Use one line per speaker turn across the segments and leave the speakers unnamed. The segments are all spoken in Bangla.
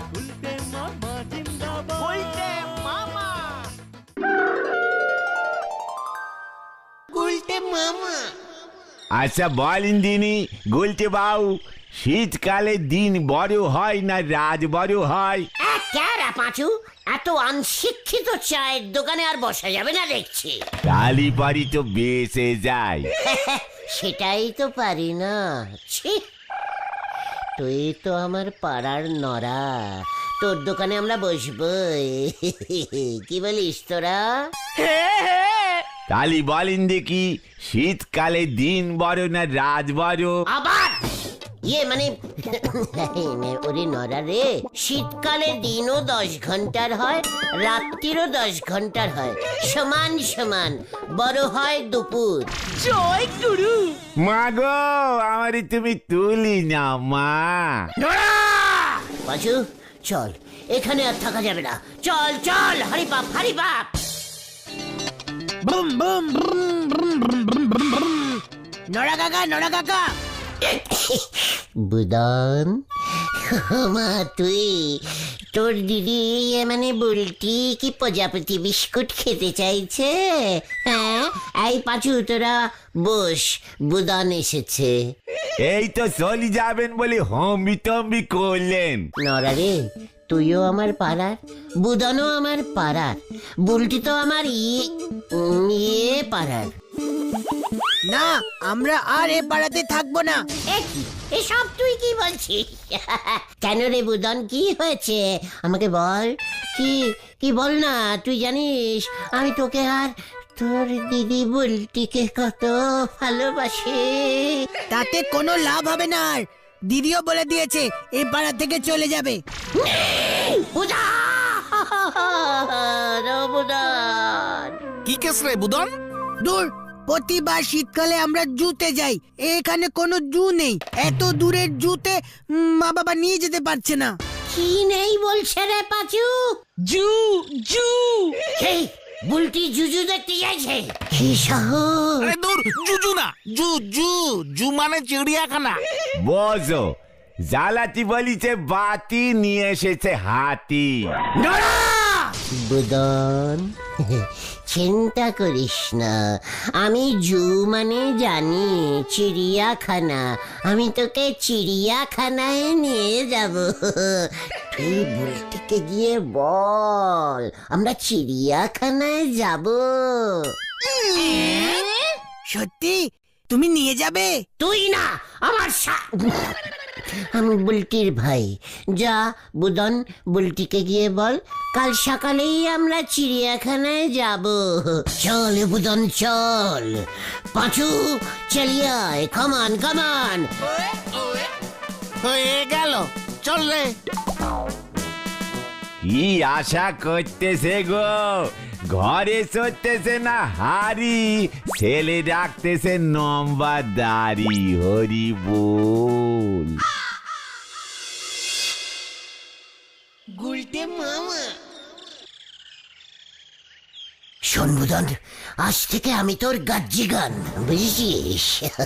আচ্ছা বলেন দিনি গুলটে বাবু, শীতকালে দিন বড় হয় না রাত বড় হয়?
পাঁচু, এত অনশিক্ষিত চায়ের দোকানে আর বসা যাবে না দেখছি।
কালি পারি তো বেঁচে যায়।
সেটাই তো পারি না। ছি, তুই তো আমার পাড়ার নরা, তোর দোকানে আমরা বসবই। কি বলিস তোরা?
কালি বলেন দেখি, শীতকালে দিন বড় না রাত বড়?
আবার মানে ওরে নরা রে, শীতকালে দিনও 10 ঘন্টার হয়, রাত্রিরও 10 ঘন্টার হয়, সমান সমান বড় হয় দুপুর।
জয় গুরু।
মা গো, আমারই তুমি তুলি না মা।
পাঁচু চল, এখানে আর থাকা যাবে না, চল চল, হারি বাপ হারি বাপ।
বুম বুম বুম। নড়া কাকা।
বুদন, মা তুই, তোর দিদি মানে বুলটি কি প্রজাপতি বিস্কুট খেতে চাইছে? হ্যাঁ, এই পাঁচু তোরা বস, বুদন এসেছে।
এই তো চলে যাবেন বলে হম্বি তম্বি করলেন।
নরা রে, তুইও আমার পাড়ার, বুদনও আমার পাড়ার, বুলটি তো আমার ইয়ে পাড়ার।
না, আমরা আর এ পাড়াতে থাকবো না।
এসব তুই কি বলছিস? কেন রে বুদন, কি হয়েছে আমাকে বল। কি বল না, তুই জানিস আমি তোকে আর তোর দিদি বুলটিকে কত ভালোবাসি।
তাতে কোনো লাভ হবে না, আর দিদিও বলে দিয়েছে এই পাড়া থেকে চলে যাবে।
বুদন,
কি কেস রে বুদন?
দূর, প্রতিবার শীতকালে আমরা জুতে যাই, এখানে কোনো জু নেই। এত দূরের জুতে মা বাবা নিয়ে যেতে পারছে না।
কি নেই বলছে রে পাঁচু?
জু জু
এই বুলটি জুজু দেখতে যাইছে? কি সাহস!
আরে দূর, জুজু না, জু জু জু মানে চিড়িয়াখানা।
বসো, জ্বালাতি বলিছে বাতি, নিয়ে এসেছে হাতি।
বুদন, চিন্তা করিস না, আমি জু মানে জানি চিড়িয়াখানা, আমি তোকে চিড়িয়াখানায় নিয়ে যাব। তুই বুলটিকে গিয়ে বল আমরা চিড়িয়াখানায় যাব।
সত্যি তুমি নিয়ে যাবে?
তুই না, আমার আমি বুলটির ভাই। যা বুদন, বুলটিকে গিয়ে বল কাল সকালেই আমরা চিড়িয়াখানায় যাব। চল বুদন চল। পাঁচু চলিয়ে আয়, কামান কামান।
হয়ে গেল, চল রে।
কি আশা করতেছে গো, ঘরে চড়তেছে না হাড়ি, ছেলে রাখতেছে লম্বা দাড়ি। হরি বল।
গুলটে মামা, শোন বুদন, আজ থেকে আমি তোর গাজ্জি গান, বুঝেছিস?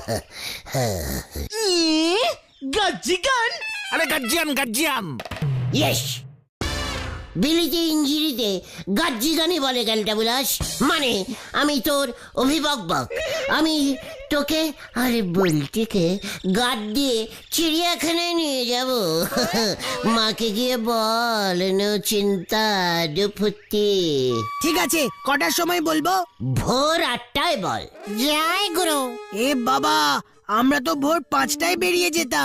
গাজ্জি গান?
আরে গাজ্জিয়ান।
ইয়েস, বিলিতে ইঞ্জিরিতে গাজ্জি গানই বলে গেলটা বুলাস। মানে আমি তোর অভিভাবক, আমি তোকে আরে বুলটিকে গাদ দিয়ে চিড়িয়াখানায় নিয়ে যাব। মাকে গিয়ে বল, নো চিন্তা দুফুতি।
ঠিক আছে, কটার সময় বলবো?
ভোর 8টায় বল। জয় গুরু।
এ বাবা, আমরা তো ভোর 5টায় বেরিয়ে যেতাম।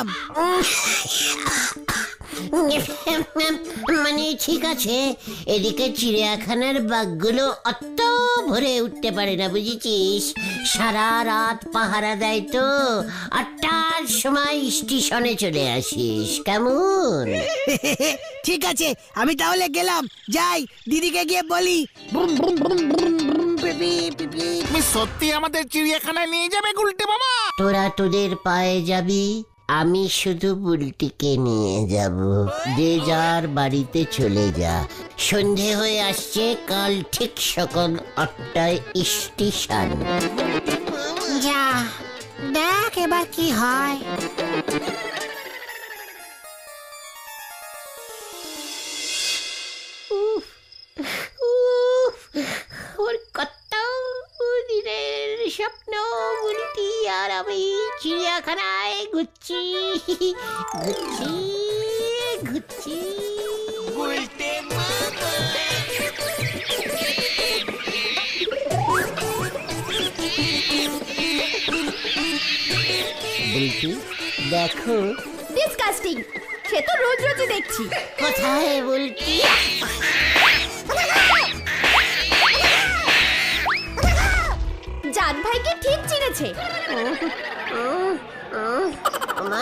মানে ঠিক আছে, এদিকে চিড়িয়াখানার বাঘগুলো অত ভরে উঠতে পারে না, বুঝেছিস? সারা রাত পাহারা দেয় তো, 8টার সময় স্টেশনে চলে আসিস, কেমন?
ঠিক আছে, আমি তাহলে গেলাম, যাই, দিদিকে গিয়ে বলি।
তুমি সত্যি আমাদের চিড়িয়াখানায় নিয়ে যাবে গুলটে মামা?
তোরা তোদের পায়ে যাবি, আমি শুধু বুলটিকে নিয়ে যাব। যে যার বাড়িতে চলে যা, সন্ধে হয়ে আসছে, কাল ঠিক সকাল 8টায় স্টেশন। যা দেখ এবার কি হয়। আর আমি চিড়িয়াখানায় ঘুরছি ঘুরছি ঘুরছি। বলছি দেখো।
ডিসকাস্টিং, সে তো রোজ রোজই দেখছি।
কোথায় বলছি?
জান ভাইকে ঠিক চিনেছে।
মা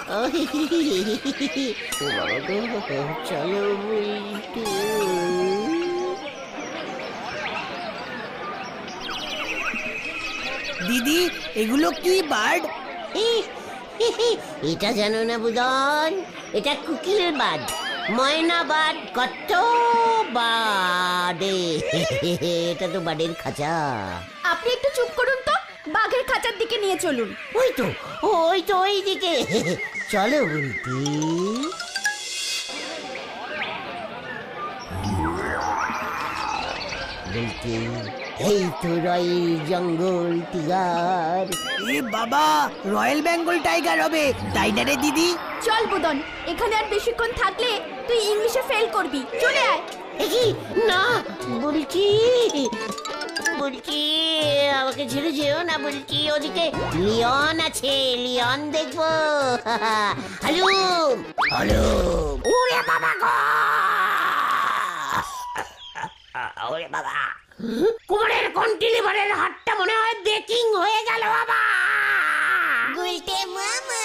চলো বলছি।
দিদি এগুলো কি বার্ড?
এটা জানো না বুদন, এটা কুকিল বাদ, ময়না বাদ, কত বাদে। এটা তো বাড়ির খাঁচা।
আপনি একটু চুপ করুন তো, বাঘের খাঁচার দিকে নিয়ে চলুন।
ওই তো ওই দিকে চলো বলতি। বলতি এই তো রয়েল জঙ্গল টিগার।
এ বাবা, রয়্যাল বেঙ্গল টাইগার হবে, তাই না রে দিদি?
চল বুদন, এখানে আর বেশিক্ষণ থাকলে তুই ইংলিশে ফেল করবি। চলে আয়।
কি না বলছি, বলছি আমাকে ছেড়ে যেও না বলছি। ওদিকে লিওন আছে, লিওন দেখবো। হালুম হালুম। ওরে বাবা গো, ওরে বাবা, কোমরের কন্টিলিভারের হাতটা মনে হয় বেকিং হয়ে গেল বাবা। গুলটে মামা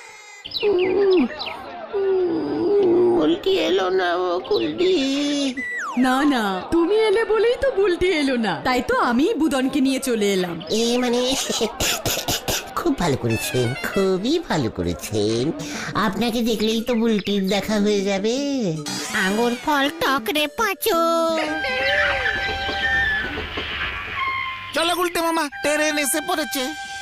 উল্টি এলো না ও কুলটি।
না না, তুমি এলে বলেই তো বুলটি এলো না, তাই তো আমি বুদনকে নিয়ে চলে এলাম।
মানে খুব ভালো করেছেন, খুবই ভালো করেছেন। আপনাকে দেখলেই তো বুলটির দেখা হয়ে যাবে। আঙুর ফল টক রে পাঁচু।
চলো গুলটে মামা, ট্রেন এসে পড়েছে।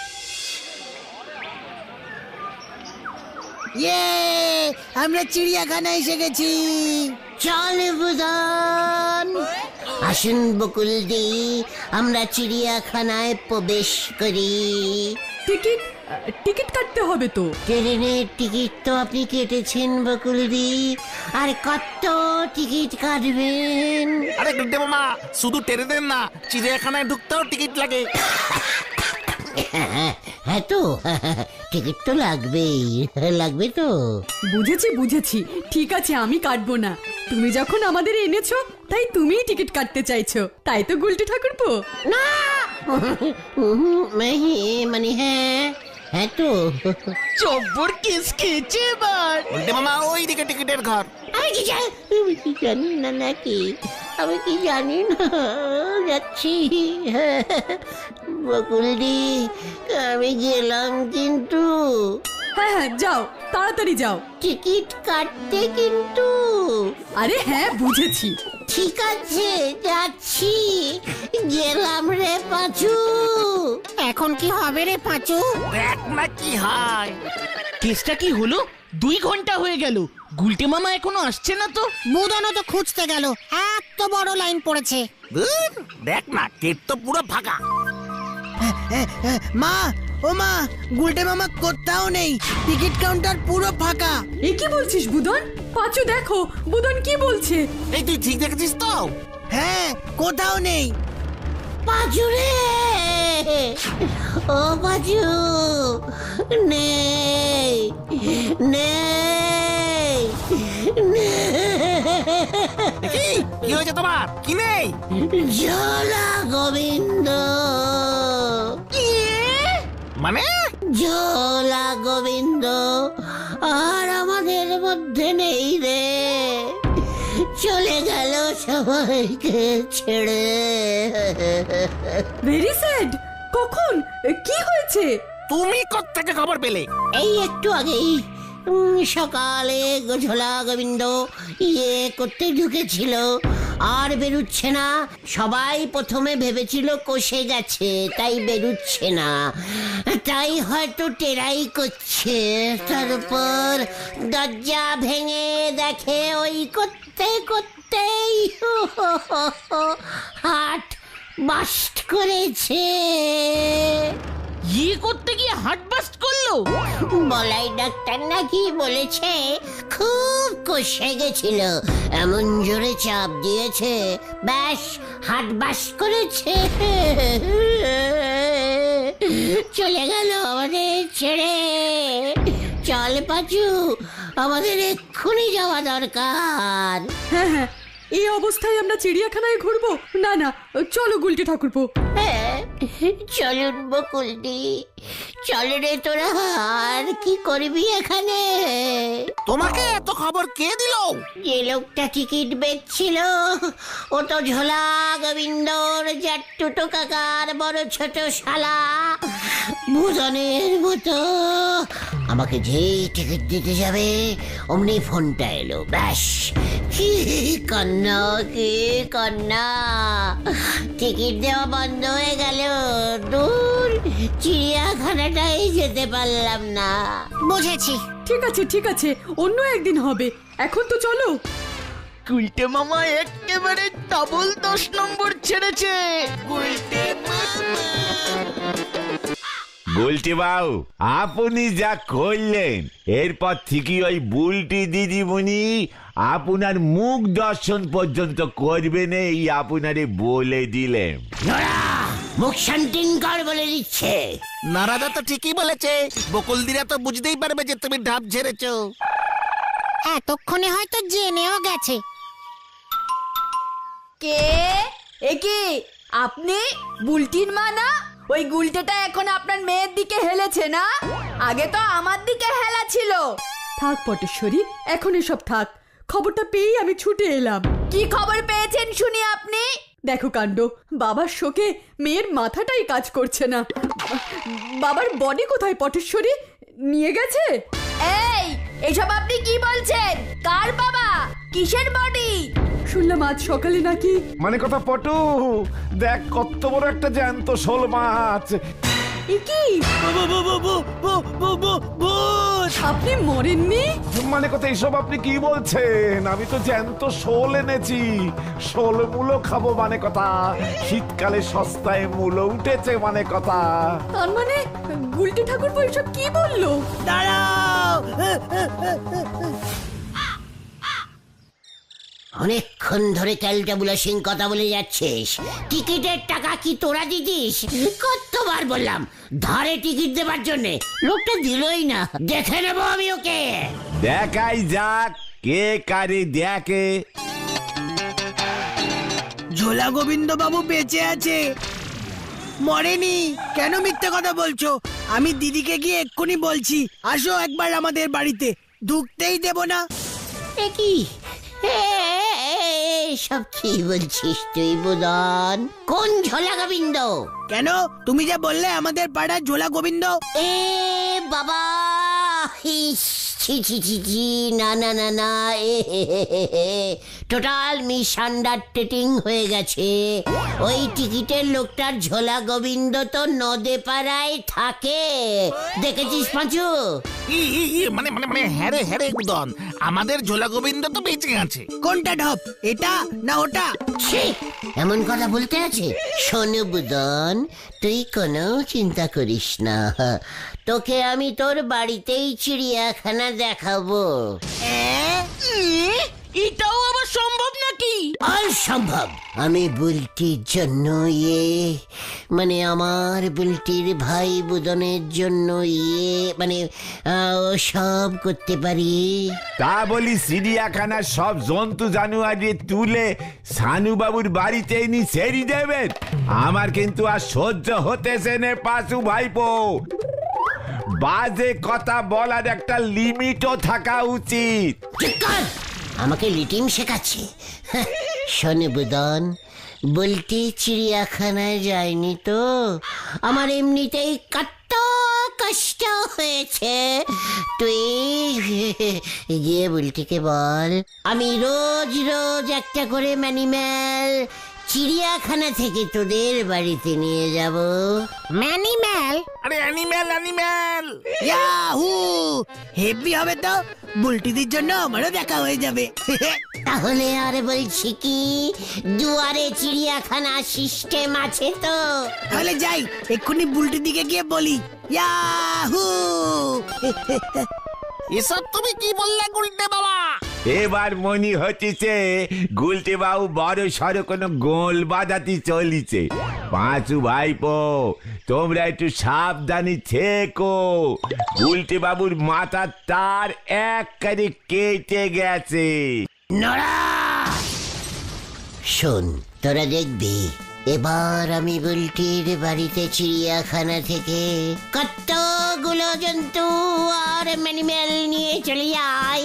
ইয়ে, আমরা চিড়িয়াখানায় এসে গেছি।
চল বুদন, আসুন বকুলদি, আমরা চিড়িয়াখানায় প্রবেশ করি।
টিকিট টিকিট কাটতে হবে তো।
ট্রেনের টিকিট তো আপনি কেটেছেন বকুলদি, আর কত টিকিট কাটবেন?
আরে গুলটে মামা, শুধু ট্রেনের না, চিড়িয়াখানায় ঢুকতেও টিকিট লাগে।
হ্যাঁ তো, টিকিট তো লাগবেই, লাগবে তো।
বুঝেছি বুঝেছি, ঠিক আছে আমি কাটবো না। তুমি যখন আমাদের এনেছো, তাই তুমিই টিকিট কাটতে চাইছো, তাই তো গুলটি ঠাকুরপো।
না মানে হ্যাঁ তো।
চব্বর কেস খেয়েছে এবার।
গুলটে মামা, ওই দিকে টিকিটের ঘর।
আমি কি জানি না নাকি, আমি কি জানি না, যাচ্ছি। বকুলদি, আমি গেলাম কিন্তু।
হ্যাঁ হ্যাঁ যাও, তাড়াতাড়ি যাও।
টিকিট কাটতে কিন্তু।
আরে হ্যাঁ বুঝেছি।
ঠিক আছে যাচ্ছি, গেলাম রে পাঁচু। এখন কি হবে রে পাঁচু?
দেখ না কি হয়।
কেসটা কি হলো? 2 ঘন্টা হয়ে গেল, গুলটে মামা এখনো আসছে না তো।
বুদনও তো খুঁজতে গেল, এত বড় লাইন পড়েছে।
ধুর, দেখ না, গেট তো পুরো ফাঁকা।
মা, ও মা, গুলটে মামা কোথাও নেই, টিকিট কাউন্টার পুরো ফাঁকা।
এ কি বলছিস বুদন? পাঁচু দেখো, বুদন কি বলছে।
এই তুই ঠিক দেখেছিস তো?
হ্যাঁ, কোথাও নেই।
পাঁচু রে, ও পাঁচু, নেই নেই
কি হয়েছে তোমার? কি নেই?
জলা গোবিন্দ।
মানে?
জলা গোবিন্দ আর আমাদের মধ্যে নেই রে, চলে গেল সবাইকে ছেড়ে।
Very sad. কখন? কি হয়েছে?
তুমি কোত্থেকে খবর পেলে?
এই একটু আগেই সকালে ঝোলা গোবিন্দ করতে ঢুকেছিল, আর বেরুচ্ছে না। সবাই প্রথমে ভেবেছিল কষে গেছে, তাই বেরুচ্ছে না, তাই হয়তো টেরাই করছে। তারপর দরজা ভেঙে দেখে ওই করতে করতেই হাট বাস্ট করেছে।
ইয়ে করতে গিয়ে হার্ট বাস্ট করলো।
বলাই ডাক্তার নাকি বলেছে খুব কষে গেছিল, এমন জোরে চাপ দিয়েছে ব্যাস হাট বাস করেছে। চলে গেল আমাদের ছেড়ে। চল পাচু, আমাদের এক্ষুনি যাওয়া দরকার।
হ্যাঁ হ্যাঁ, এই অবস্থায় আমরা চিড়িয়াখানায় ঘুরবো? না না, চলো গুলটে ঠাকুরপো।
হ্যাঁ, চলুন বকুলদি, চল রে তোরা। আর কি করবি এখানে?
তোমাকে এত খবর কে দিল?
যে লোকটা টিকিট বেচছিল ও তো ঝোলা গোবিন্দর জাট্টুটো কাকার বড় ছোট শালা ভুজনের মতো। আমাকে যেই টিকিট দিতে যাবে অমনি ফোনটা এলো, ব্যাস কি কান্না, কি কান্না। টিকিট দেওয়া বন্ধ হয়ে গেল। দূর, চিড়িয়াখানাটাই যেতে পারলাম না। বুঝেছি।
ঠিক আছে ঠিক আছে, অন্য একদিন হবে, এখন তো চলো।
গুলটে মামা একেবারে ডাবল 10 নম্বর ছেড়েছে।
গুলটি বাবু, আপনি যা করলেন এরপর থেকে ওই বুলটি দিদিমণি আপনার মুখ দর্শন পর্যন্ত করবেন, এই আপনারে বলে দিলেন।
নোরা, মুখ শান্তিন কর বলে দিচ্ছে।
নারাদা তো ঠিকই বলেছে, বকুলদিরা তো বুঝতেই পারবে যে তুমি ঢাপ ঝেড়েছো।
এতক্ষণে হয়তো জেনেও গেছে।
কে? এ কি আপনি বুলটির মা না? ওই গুলটেটা এখন আপনার মেয়ের দিকে হেলেছে না? আগে তো আমার দিকে হেলা ছিল।
থাক পটেশ্বরী, এখন এসব থাক। খবরটা পেয়েই আমি ছুটে এলাম।
কি খবর পেয়েছেন শুনি আপনি?
দেখো কাণ্ড, বাবার শোকে মেয়ের মাথাটাই কাজ করছে না। বাবার বডি কোথায় পটেশ্বরী? নিয়ে গেছে?
এই, এসব আপনি কি বলছেন? কার বাবা? কিসের বডি?
শুনলাম আজ সকালে নাকি।
মানে কথা পটু, দেখ কত বড় একটা জ্যান্ত শোল মাছ।
এ কি? আপনি মরেননি?
মানে কথা এইসব আপনি কি বলছেন? আমি তো জ্যান্ত শোল এনেছি, শোল মূলো খাবো মানে কথা। শীতকালে সস্তায় মূলো উঠেছে মানে কথা।
তার মানে গুলটে ঠাকুরপো এসব কি বললো?
দাঁড়াও,
অনেকক্ষণ ধরে ক্যালটাবুলা সিং কথা বলে যাচ্ছিস। টিকিটের টাকা কি তোরা দিতিস? কতবার বললাম ধারে টিকিট দেবার জন্য, লোকটা দিলই না। দেখে নেবো আমি ওকে।
দেখাই যাক কে কারে দেখে।
ঝোলা গোবিন্দ বাবু বেঁচে আছে, মরেনি। কেন মিথ্যে কথা বলছো? আমি দিদিকে গিয়ে এক্ষুনি বলছি। আসো একবার আমাদের বাড়িতে, ঢুকতেই দেব না।
এ কি সব কি বলছিস তুই বুদন? কোন ঝোলা গোবিন্দ?
কেন, তুমি যে বললে আমাদের পাড়ার ঝোলা গোবিন্দ।
এ বাবা, ইস, ছি ছি ছি ছি, না না না না, টোটাল মিসআন্ডারস্ট্যান্ডিং হয়ে গেছে। ওই টিকিটের লোকটার ঝোলা গোবিন্দ তো নদে পাড়ায় থাকে, দেখেছিস পাঁচু?
মানে মানে মানে হ্যারে হ্যারে উদন, আমাদের ঝোলা গোবিন্দ তো বেঁচে আছে।
কোনটা ঢপ, এটা না ওটা?
ছি, এমন কথা বলতে আছে? শোনো বুদন, তুই কোনো চিন্তা করিস না, তোকে আমি তোর বাড়িতেই চিড়িয়াখানা দেখাবো।
এটাও আবার সম্ভব নাকি?
অসম্ভব। আমি বুলটির জন্য মানে আমার বুলটির ভাই বুদনের জন্য মানে ও সব করতে পারি।
তা বলি চিড়িয়াখানার সব জন্তু জানুয়ারি তুলে সানুবাবুর বাড়িতে নি ছেড়ে দেবেন? আমার কিন্তু আর সহ্য হতেছে না পাশু ভাইপো। বাজে কথা বলার একটা লিমিটও থাকা উচিত।
ঠিক কর, আমাকে লিটিং শেখাচ্ছে। শোনে বুদন, বুলটি চিড়িয়াখানায় যায়নি তো, আমার এমনিতেই কত কষ্ট হয়েছে। তুই গিয়ে বুলটিকে বল আমি রোজ রোজ একটা করে ম্যানিম্যাল চিড়িয়াখানা থেকে তোদের বাড়িতে নিয়ে যাব।
ম্যানিম্যাল?
আরে অ্যানিম্যাল অ্যানিম্যাল।
ইয়াহু! হেভি হবে তো, বুলটিদির জন্য আমারও দেখা হয়ে যাবে।
তাহলে আর বলছি কি, দুয়ারে চিড়িয়াখানা সিস্টেম আছে তো?
তাহলে যাই, এক্ষুনি বুলটিদিকে গিয়ে বলি ইয়াহু।
এসব তুমি কি বললে গুলটে বাবা?
এবার মনে হচ্ছে গুলটে বাবু বড় সড়ো কোনো গোল বাজাতে চলিছে। পাঁচু ভাইপো, তোমরা একটু সাবধানে থেকো। গুলটে বাবুর মাথার তার একবারে কেটে গেছে।
নড়া! শোন, তোরা দেখবি এবার আমি বুলটির বাড়িতে চিড়িয়াখানা থেকে কতগুলো জন্তু আর ম্যানিমেল নিয়ে চলে যাই।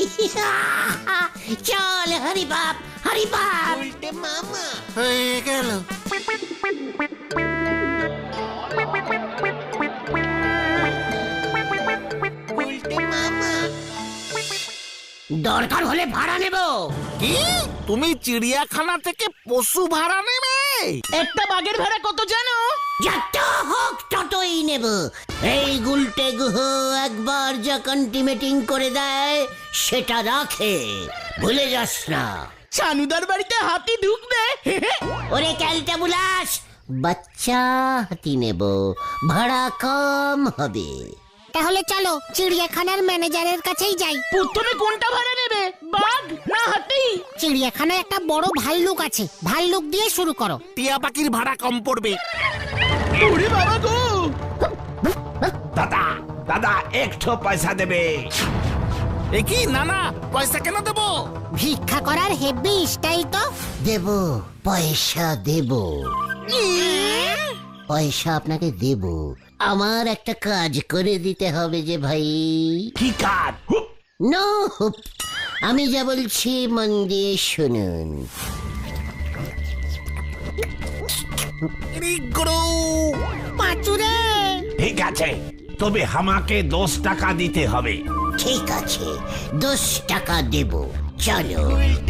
চল হরি বাপ, হরি বাপ। মামা
হয়ে গেল।
দরকার হলে ভাড়া নেব।
কি? তুমি চিড়িয়াখানা থেকে পশু ভাড়া নেবে?
একটা বাঘের ভাড়া কত জানো?
যত হোক ততই নেব। এই গুলটে গুহ একবার যা কন্টিমেটিং করে দেয় সেটা রাখে, ভুলে যাস না।
সানুদার বাড়িতে হাতি ঢুকবে।
ওরে ক্যালটা বুলাস, বাচ্চা হাতি নেব, ভাড়া কম হবে।
তাহলে চলো চিড়িয়াখানার ম্যানেজারের কাছেই যাই।
প্রথমে কোনটা ভাড়া নেবে, বাঘ না হাতি?
চিড়িয়াখানায় একটা বড় ভাল্লুক আছে, ভাল্লুক দিয়ে শুরু করো।
টিয়া পাখির ভাড়া কম পড়বে।
ওরে বাবা গো!
দাদা দাদা একটু পয়সা দেবে।
এ কি? না না, পয়সা কেন দেবো?
ভিক্ষা করার হেভি স্টাইল তো।
দেব, পয়সা দেব, পয়সা আপনাকে দেব। আমার একটা কাজ করে দিতে হবে যে ভাই।
কি কাজ?
নো, আমি যা বলছি মন দিয়ে শুনুন।
পাঁচুরে,
ঠিক আছে, তবে আমাকে 10 টাকা দিতে হবে।
ঠিক আছে, 10 টাকা দেব, চলো।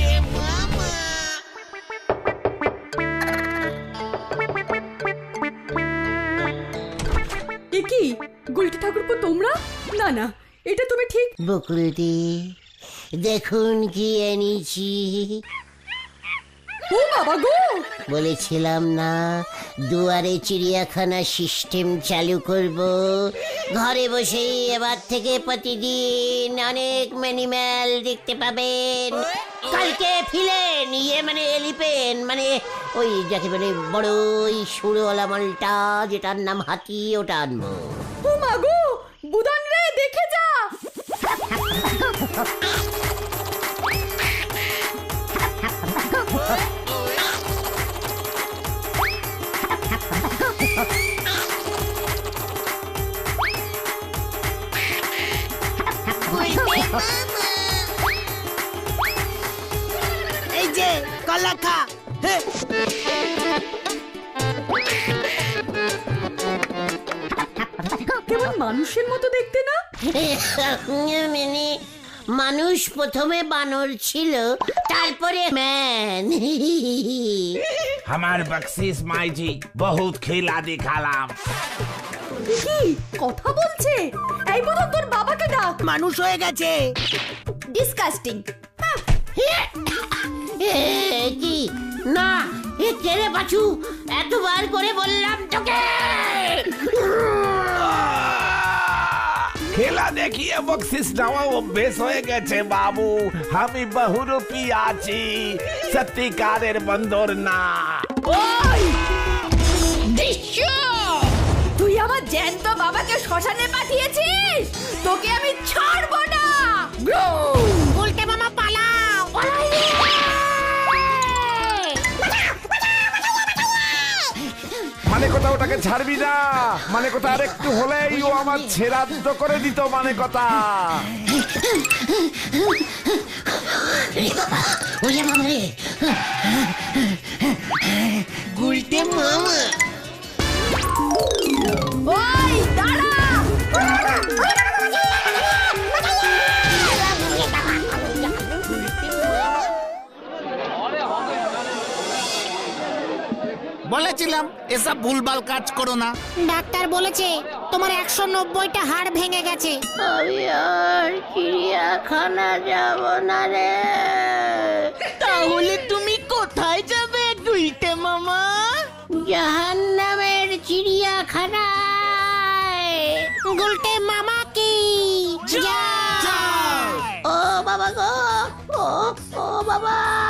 এ কি গুলটি ঠাকুরপো, তোমরা? না না, এটা তুমি ঠিক।
বকুলদি, দেখুন কি এনেছি।
ও বাবা গো!
বলেছিলাম না দুয়ারে চিড়িয়াখানা সিস্টেম চালু করব। ঘরে বসেই এবার থেকে প্রতিদিন অনেক ম্যানিম্যাল দেখতে পাবেন। কালকে ফিলেন, মানে এলিপেন, মানে ওই যাকে বলে বড় ওই সুরওয়ালা মালটা যেটার নাম হাতি, ওটা আনবো।
ও মা গো, বুদন রে দেখে যা।
এই যে কলা খা। হে,
কেমন মানুষের মতো দেখতে না?
মানে মানুষ প্রথমে বানর ছিল, তারপরে ম্যান।
আমার বকশিস মাইজি, বহুত খেলা দেখালাম।
কি কথা বলছে? এই বুদন, তোর বাবাকে ডাক।
মানুষ হয়ে গেছে।
ডিসকাস্টিং।
কি না, এ কেড়ে পাছু, এতবার করে বললাম তোকে।
খেলা দেখিয়ে বকশিস নেওয়া অভ্যেস হয়ে গেছে বাবু। আমি বহুরূপী আছি, সত্যিকারের বন্দর না।
ওই তুই আমার জ্যান্ত বাবাকে শ্মশানে পাঠিয়েছিস, তোকে আমি ছাড়বো না।
উল্টে মামা পালাও।
মানে কথা ওটাকে ছাড়বি না, মানে কথা আর একটু হলেই ও আমার ছেড়াদ্দ করে দিত। মানে কথা
ওরে বাবা রে, গুলটে মামা।
ওই দাঁড়া!
বলেছিলাম এসব ভুলভাল কাজ করো না।
ডাক্তার বলেছে তোমার 190টা হাড় ভেঙে গেছে।
আমি আর চিড়িয়াখানা যাব না রে।
তাহলে তুমি কোথায় যাবে গুলটে মামা?
জাহান্নামের চিড়িয়াখানায়।
গুলটে মামা কি
ও বাবা গো, ও বাবা।